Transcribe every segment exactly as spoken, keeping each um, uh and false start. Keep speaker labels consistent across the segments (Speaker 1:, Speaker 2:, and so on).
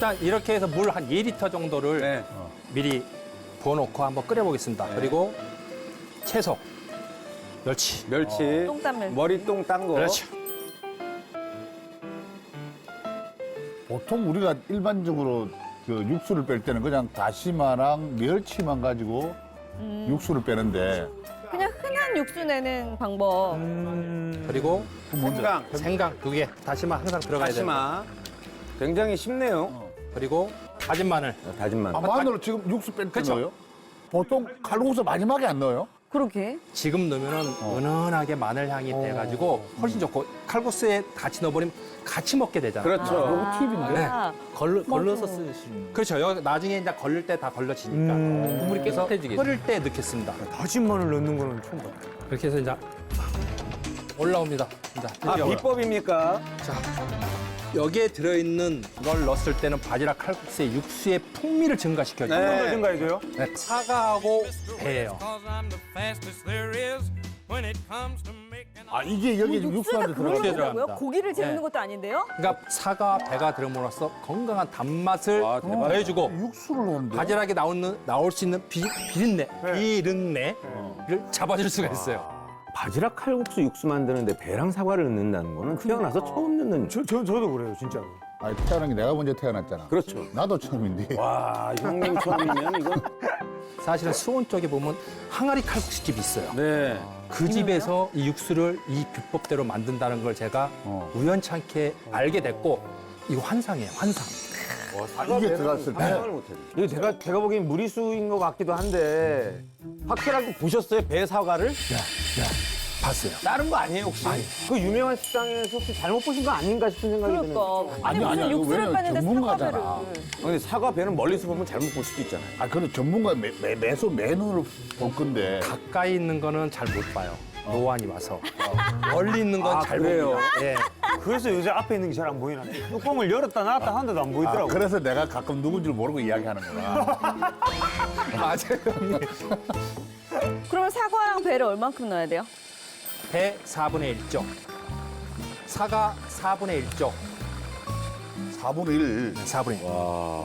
Speaker 1: 일단 이렇게 해서 물 한 이 리터 정도를
Speaker 2: 네.
Speaker 1: 어, 미리 부어놓고 한번 끓여보겠습니다. 그리고 채소, 멸치.
Speaker 2: 멸치.
Speaker 3: 똥땀 멸치.
Speaker 2: 머리똥 딴 거.
Speaker 1: 그렇죠.
Speaker 4: 보통 우리가 일반적으로 그 육수를 뺄 때는 그냥 다시마랑 멸치만 가지고
Speaker 3: 음.
Speaker 4: 육수를 빼는데
Speaker 3: 그냥 흔한 육수 내는 방법.
Speaker 1: 그리고
Speaker 2: 생강.
Speaker 1: 생강 두 개, 다시마 항상 들어가야 돼요.
Speaker 2: 다시마. 굉장히 쉽네요.
Speaker 1: 그리고 다진 마늘.
Speaker 2: 다진 마늘.
Speaker 4: 아, 마늘을 지금 육수 뺄 때
Speaker 1: 그쵸.
Speaker 4: 넣어요? 보통 칼국수 마지막에 안 넣어요?
Speaker 3: 그렇게.
Speaker 1: 지금 넣으면 은은하게 마늘 향이 돼가지고 훨씬 좋고 칼국수에 같이 넣어버리면 같이 먹게 되잖아요.
Speaker 2: 그렇죠.
Speaker 4: 이거 팁인데.
Speaker 3: 아,
Speaker 5: 걸러, 걸러서
Speaker 3: 맞아.
Speaker 5: 쓰시는.
Speaker 1: 그렇죠. 여기 나중에 이제 걸릴 때 다 걸러지니까.
Speaker 5: 국물이
Speaker 1: 그래서
Speaker 5: 깨끗해지겠죠.
Speaker 1: 끓일 때 넣겠습니다.
Speaker 6: 다진 마늘 넣는 거는 처음 봤다.
Speaker 1: 이렇게 해서 이제 올라옵니다. 이제
Speaker 2: 아,
Speaker 1: 드디어 올라-
Speaker 2: 비법입니까?
Speaker 1: 자, 여기에 들어있는 걸 넣었을 때는 바지락 칼국수의 육수의 풍미를 증가시켜줘요.
Speaker 2: 네.
Speaker 6: 증가해줘요?
Speaker 1: 네, 사과하고 배예요.
Speaker 4: 아, 이게 여기 지금 육수 안에
Speaker 3: 육수가
Speaker 4: 들어가.
Speaker 3: 그걸로
Speaker 1: 들어갑니다.
Speaker 3: 된다고요? 고기를 재우는
Speaker 1: 네.
Speaker 3: 것도 아닌데요?
Speaker 1: 그러니까 사과, 배가 들어옴으로써 건강한 단맛을
Speaker 2: 와, 대박이다.
Speaker 1: 더해주고
Speaker 4: 육수를 넣는데.
Speaker 1: 바지락에 나오는, 나올 수 있는 비, 비린내, 비린내를 잡아줄 수가 있어요.
Speaker 7: 바지락 칼국수 육수 만드는데 배랑 사과를 넣는다는 거는 태어나서 처음 넣는.
Speaker 6: 저, 저, 저도 그래요, 진짜로.
Speaker 4: 아니, 태어난 게 내가 먼저 태어났잖아.
Speaker 7: 그렇죠.
Speaker 4: 나도 처음인데.
Speaker 2: 와, 형님 처음이면 이건.
Speaker 1: 사실은 수원 쪽에 보면 항아리 칼국수집이 있어요.
Speaker 2: 네.
Speaker 1: 그 집에서 이 육수를 이 비법대로 만든다는 걸 제가
Speaker 4: 어.
Speaker 1: 우연찮게 알게 됐고 이거 환상이에요, 환상.
Speaker 4: 아, 이게 들어갔을 때.
Speaker 2: 상상을 못했네.
Speaker 7: 이거 제가 제가 보기엔 무리수인 것 같기도 한데 확실하게 보셨어요? 배 사과를?
Speaker 1: 봤어요.
Speaker 7: 다른 거 아니에요 혹시? 그 유명한 식당에서 혹시 잘못 보신 거 아닌가 싶은 생각이 드는데.
Speaker 3: 그러니까. 아니,
Speaker 4: 아니,
Speaker 3: 무슨
Speaker 4: 아니, 이거
Speaker 3: 육수를
Speaker 4: 왜냐면
Speaker 3: 빼는데
Speaker 4: 전문가잖아.
Speaker 3: 사과배를.
Speaker 2: 근데 사과 배는 멀리서 보면 잘못 볼 수도 있잖아요.
Speaker 4: 아, 그래 전문가 매, 매, 매소 맨으로 볼 건데.
Speaker 1: 가까이 있는 거는 잘 못 봐요. 노안이 와서. 멀리 있는 건
Speaker 2: 아,
Speaker 1: 잘
Speaker 2: 그래요?
Speaker 1: 봅니다. 예.
Speaker 6: 그래서 요새 앞에 있는 게 잘 안 보이나? 뚜껑을 열었다 놨다 하는데도 안
Speaker 4: 아,
Speaker 6: 보이더라고.
Speaker 4: 그래서 내가 가끔 누군지 모르고 이야기하는구나.
Speaker 1: 맞아요, 형님.
Speaker 3: 그러면 사과랑 배를 얼만큼 넣어야 돼요?
Speaker 1: 배 사분의 일 쪽, 사과 사분의 일 쪽,
Speaker 4: 사분의 일.
Speaker 1: 사분의 일.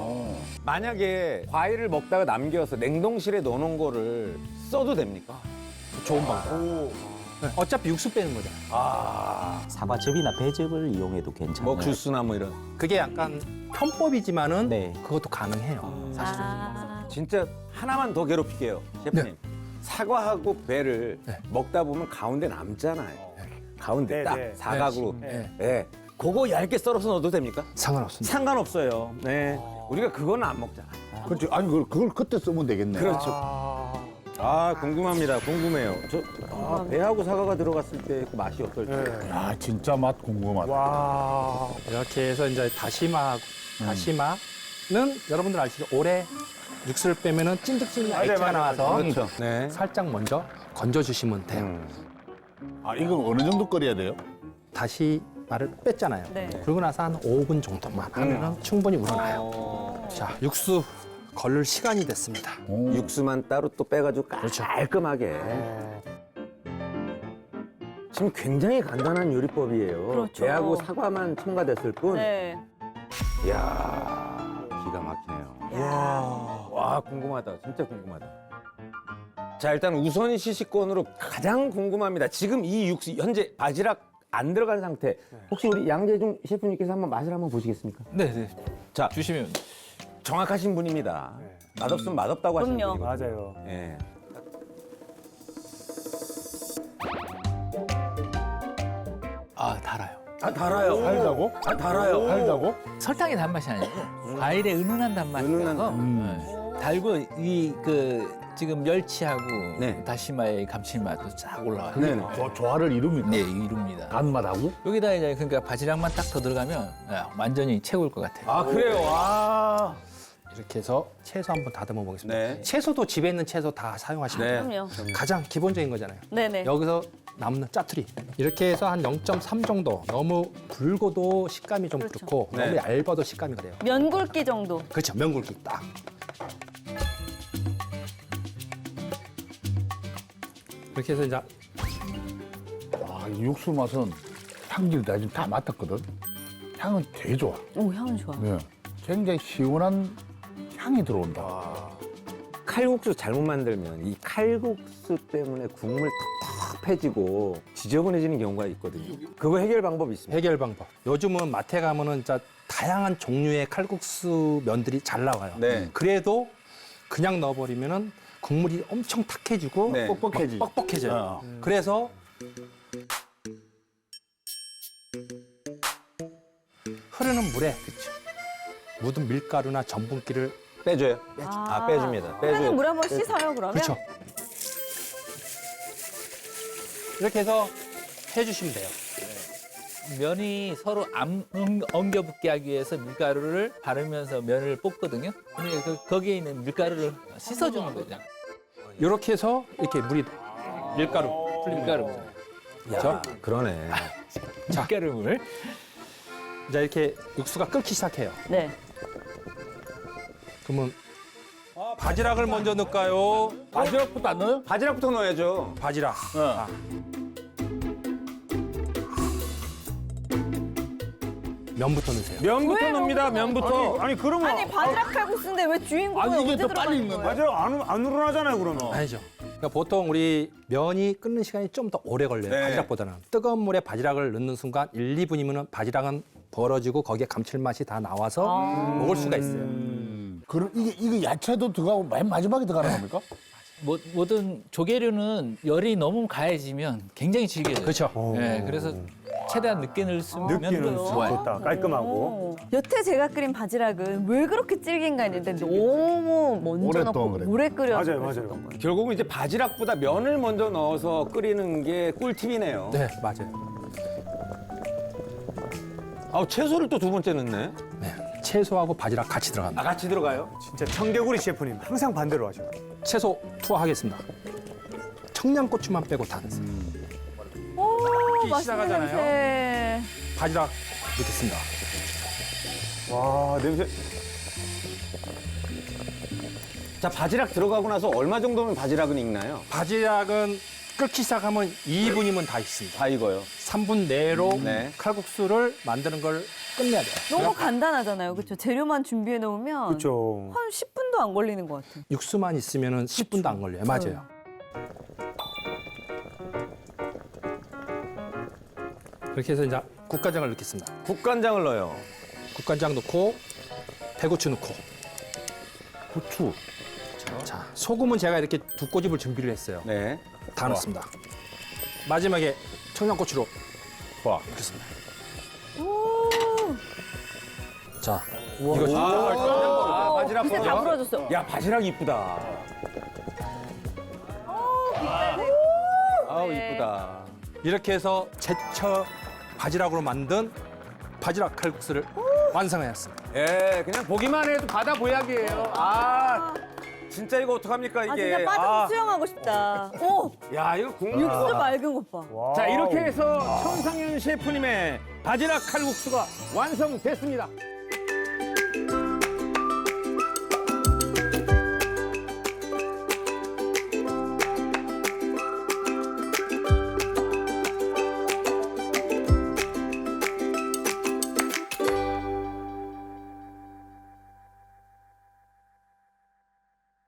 Speaker 2: 만약에 과일을 먹다가 남겨서 냉동실에 넣어놓은 거를 써도 됩니까?
Speaker 1: 좋은 방법. 네, 어차피 육수 빼는 거잖아요.
Speaker 5: 사과즙이나 배즙을 이용해도 괜찮아요.
Speaker 2: 뭐 주스나 뭐 이런.
Speaker 1: 그게 약간 편법이지만은
Speaker 5: 네.
Speaker 1: 그것도 가능해요. 사실은.
Speaker 3: 아.
Speaker 2: 진짜 하나만 더 괴롭힐게요, 셰프님. 사과하고 배를
Speaker 1: 네.
Speaker 2: 먹다 보면 가운데 남잖아요. 가운데
Speaker 6: 네,
Speaker 2: 딱
Speaker 6: 네.
Speaker 2: 사각으로.
Speaker 1: 네.
Speaker 2: 네. 그거 얇게 썰어서 넣어도 됩니까?
Speaker 1: 상관없습니다.
Speaker 2: 상관없어요. 네. 우리가 그거는 안 먹잖아.
Speaker 4: 그렇지. 아니, 그걸, 그걸 그때 쓰면 되겠네.
Speaker 2: 그렇죠. 아, 궁금합니다. 궁금해요. 저 아, 배하고 사과가 들어갔을 때 그 맛이 어떨지.
Speaker 4: 야, 진짜 맛 궁금하다.
Speaker 6: 와.
Speaker 1: 이렇게 해서 이제 다시마, 다시마는 여러분들 아시죠? 오래 육수를 빼면은 찐득찐득
Speaker 6: 맞아요,
Speaker 1: 액체가
Speaker 6: 맞아요,
Speaker 1: 나와서
Speaker 2: 그렇죠. 네.
Speaker 1: 살짝 먼저 건져주시면 돼요.
Speaker 2: 음.
Speaker 4: 아, 이건 어느 정도 끓여야 돼요?
Speaker 1: 다시마를 뺐잖아요.
Speaker 3: 네.
Speaker 1: 그러고 나서 한 오 분 정도만 하면 충분히 우러나요. 자, 육수 걸릴 시간이 됐습니다.
Speaker 4: 오.
Speaker 2: 육수만 따로 또 빼가지고
Speaker 1: 그렇죠.
Speaker 2: 깔끔하게. 지금 굉장히 간단한 요리법이에요.
Speaker 3: 그렇죠.
Speaker 2: 배하고 사과만 첨가됐을 뿐.
Speaker 3: 네.
Speaker 2: 이야, 기가 막히네요. 와, 궁금하다. 진짜 궁금하다. 자, 일단 우선 시식권으로 가장 궁금합니다. 지금 이 육수, 현재 바지락 안 들어간 상태.
Speaker 7: 혹시 우리 양재중 셰프님께서 한번 맛을 한번 보시겠습니까?
Speaker 5: 네, 네.
Speaker 2: 자,
Speaker 5: 주시면.
Speaker 2: 정확하신 분입니다. 맛없으면 맛없다고 하시는
Speaker 3: 그럼요.
Speaker 2: 분이거든요.
Speaker 6: 맞아요.
Speaker 2: 예.
Speaker 5: 아, 달아요.
Speaker 2: 아, 달아요.
Speaker 4: 달다고?
Speaker 2: 아, 달아요.
Speaker 4: 달다고?
Speaker 5: 설탕의 단맛이 아니고 과일의 은은한 단맛이
Speaker 2: 은은한
Speaker 5: 나서 네. 달고 이 그 지금 멸치하고
Speaker 2: 네.
Speaker 5: 다시마의 감칠맛도 쫙 올라와요.
Speaker 2: 네네.
Speaker 4: 조, 조화를 이룹니까?
Speaker 5: 네, 이룹니다.
Speaker 4: 단맛하고?
Speaker 5: 여기다 이제 그러니까 바지락만 딱 더 들어가면 야, 완전히 최고일 것 같아요.
Speaker 2: 아, 그래요? 아.
Speaker 1: 이렇게 해서 채소 한번 다듬어 보겠습니다.
Speaker 2: 네.
Speaker 1: 채소도 집에 있는 채소 다 사용하시면
Speaker 2: 네.
Speaker 1: 돼요.
Speaker 3: 그럼요.
Speaker 1: 가장 기본적인 거잖아요.
Speaker 3: 네네.
Speaker 1: 여기서 남는 짜투리. 이렇게 해서 한 영 점 삼 정도. 너무 굵어도 식감이 좀
Speaker 3: 그렇죠.
Speaker 1: 그렇고
Speaker 2: 네.
Speaker 1: 너무 얇아도 식감이 그래요.
Speaker 3: 면 굵기 정도.
Speaker 1: 그렇죠. 면 굵기 딱. 이렇게 해서 이제
Speaker 4: 아, 이 육수 맛은 향기를 나 지금 다 맡았거든. 향은 되게 좋아.
Speaker 3: 오, 향은 좋아.
Speaker 4: 네. 굉장히 시원한 향이 들어온다.
Speaker 2: 칼국수 잘못 만들면 이 칼국수 때문에 국물 텁텁해지고 지저분해지는 경우가 있거든요. 그거 해결 방법이 있습니다.
Speaker 1: 해결 방법. 요즘은 마트에 가면은 진짜 다양한 종류의 칼국수 면들이 잘 나와요.
Speaker 2: 네.
Speaker 1: 그래도 그냥 넣어버리면은 국물이 엄청 탁해지고
Speaker 2: 네.
Speaker 4: 뻑뻑해지.
Speaker 1: 막 뻑뻑해져요.
Speaker 4: 어.
Speaker 1: 그래서 흐르는 물에 묻은 밀가루나 전분기를
Speaker 2: 빼줘요? 아, 빼줍니다. 빼줘요.
Speaker 3: 선생님 물 한번 씻어요 그러면?
Speaker 1: 그렇죠. 이렇게 해서 해주시면 돼요.
Speaker 5: 면이 서로 안 엉- 엉겨붙게 하기 위해서 밀가루를 바르면서 면을 볶거든요. 근데 그, 거기에 있는 밀가루를 씻어주는 거죠.
Speaker 1: 이렇게 해서 이렇게 물이 밀가루 풀린
Speaker 5: 밀가루.
Speaker 1: 그렇죠?
Speaker 2: 그러네.
Speaker 5: 밀가루물.
Speaker 1: 이제 이렇게 육수가 끓기 시작해요.
Speaker 3: 네.
Speaker 1: 그러면 바지락을 먼저 넣을까요?
Speaker 4: 바지락부터 안 넣어요?
Speaker 2: 바지락부터 넣어야죠.
Speaker 1: 바지락.
Speaker 4: 어.
Speaker 1: 아. 면부터 넣으세요.
Speaker 2: 면부터
Speaker 3: 왜
Speaker 2: 넣습니다.
Speaker 3: 면부터
Speaker 2: 면부터.
Speaker 6: 아니 그러면
Speaker 3: 아니 바지락 칼국수인데 왜 주인공이
Speaker 4: 아니, 이게
Speaker 3: 언제
Speaker 4: 더
Speaker 3: 들어가는
Speaker 4: 빨리 익는
Speaker 3: 거예요?
Speaker 6: 바지락 안, 안 우러나잖아요 그러면.
Speaker 1: 아니죠. 그러니까 보통 우리 면이 끓는 시간이 좀 더 오래 걸려요.
Speaker 2: 네.
Speaker 1: 바지락보다는. 뜨거운 물에 바지락을 넣는 순간 일, 이 분이면 바지락은 벌어지고 거기에 감칠맛이 다 나와서 먹을 수가 있어요.
Speaker 4: 그럼 이게 이게 야채도 들어가고 맨 마지막에 들어가는 겁니까?
Speaker 5: 모, 모든 조개류는 열이 너무 가해지면 굉장히 질겨져요.
Speaker 1: 그렇죠.
Speaker 5: 네, 그래서 최대한 늦게 넣으면
Speaker 6: 느끼는
Speaker 5: 좋아요.
Speaker 6: 좋다. 깔끔하고.
Speaker 3: 오. 여태 제가 끓인 바지락은 왜 그렇게 질긴가 했는데 너무 먼저
Speaker 4: 오랫동안
Speaker 3: 넣고
Speaker 4: 그래.
Speaker 3: 오래 끓여.
Speaker 6: 맞아요, 맞아요.
Speaker 2: 결국은 이제 바지락보다 면을 먼저 넣어서 끓이는 게 꿀팁이네요.
Speaker 1: 네, 맞아요.
Speaker 2: 아, 채소를 또 두 번째 넣네.
Speaker 1: 네. 채소하고 바지락 같이 들어갑니다.
Speaker 2: 아, 같이 들어가요?
Speaker 6: 진짜 청개구리 셰프님 항상 반대로 하셔.
Speaker 1: 채소 투하하겠습니다. 청양고추만 빼고 다 넣으세요.
Speaker 3: 오, 맛있는
Speaker 1: 시작하잖아요.
Speaker 3: 냄새.
Speaker 1: 바지락 넣겠습니다.
Speaker 6: 와 냄새.
Speaker 2: 자, 바지락 들어가고 나서 얼마 정도면 바지락은 익나요?
Speaker 1: 바지락은 끓기 시작하면 이 분이면 다 익습니다.
Speaker 2: 다 익어요.
Speaker 1: 삼 분 내로
Speaker 2: 네.
Speaker 1: 칼국수를 만드는 걸 끝내야 돼요.
Speaker 3: 너무 간단하잖아요. 그렇죠? 재료만 준비해 놓으면
Speaker 6: 그렇죠.
Speaker 3: 한 십 분도 안 걸리는 것 같아요.
Speaker 1: 육수만 있으면 십 분도 안 걸려요. 맞아요. 그렇게 해서 이제 국간장을 넣겠습니다.
Speaker 2: 국간장을 넣어요.
Speaker 1: 국간장 넣고 배고추 넣고
Speaker 4: 후추.
Speaker 1: 자 소금은 제가 이렇게 두 꼬집을 준비를 했어요.
Speaker 2: 네.
Speaker 1: 다 넣습니다. 마지막에 청양고추로
Speaker 4: 와.
Speaker 1: 넣겠습니다.
Speaker 3: 오,
Speaker 1: 자 이거 좀
Speaker 2: 아, 바지락
Speaker 3: 진짜 다
Speaker 2: 보여?
Speaker 3: 불어줬어.
Speaker 2: 야, 바지락 이쁘다. 아우,
Speaker 3: 네.
Speaker 2: 이쁘다.
Speaker 1: 이렇게 해서 제철 바지락으로 만든 바지락 칼국수를 완성하였습니다.
Speaker 2: 예, 그냥 보기만 해도 바다 보약이에요. 아, 진짜 이거 어떡합니까, 이게.
Speaker 3: 아 진짜 빠져서 수영하고 싶다. 오,
Speaker 2: 야, 이거 국물.
Speaker 3: 육수 맑은 것 봐.
Speaker 6: 와우.
Speaker 2: 자, 이렇게 해서 천상윤 셰프님의 바지락 칼국수가 완성됐습니다.